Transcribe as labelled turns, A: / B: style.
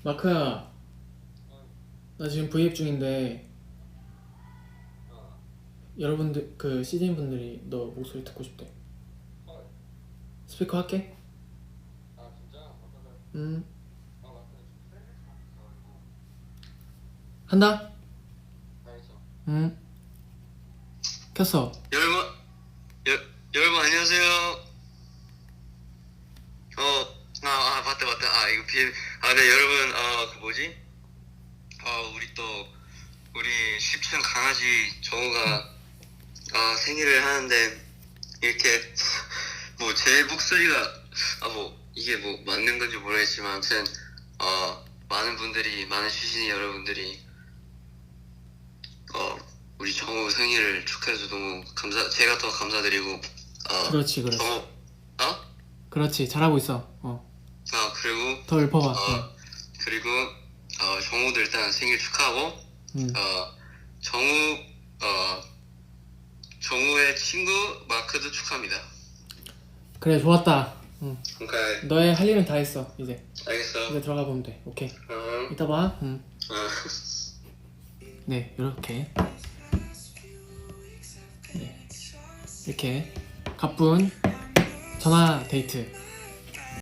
A: 마크야, 나 지금 브이앱 중인데 여러분들 그 CJ 분들이 너 목소리 듣고 싶대. 스피커 할게. 한다. 켰어.
B: 여러분 안녕하세요. 맞다. 네, 여러분, 그 뭐지? 우리 10층 강아지 정우가, 생일을 하는데, 이렇게, 제 목소리가, 이게 맞는 건지 모르겠지만, 아무튼, 많은 시신이 여러분들이, 우리 정우 생일을 축하해서 너무 제가 더 감사드리고,
A: 그렇지. 그렇지, 잘하고 있어.
B: 그리고
A: 더 읊어봐.
B: 그리고 정우도 일단 생일 축하하고, 정우의 친구 마크도 축하합니다.
A: 그래, 좋았다.
B: 오케이.
A: 너의 할 일은 다 했어. 이제
B: 알겠어.
A: 들어가 보면 돼. 오케이. 이따 봐. 네, 이렇게. 네, 이렇게 가쁜 전화 데이트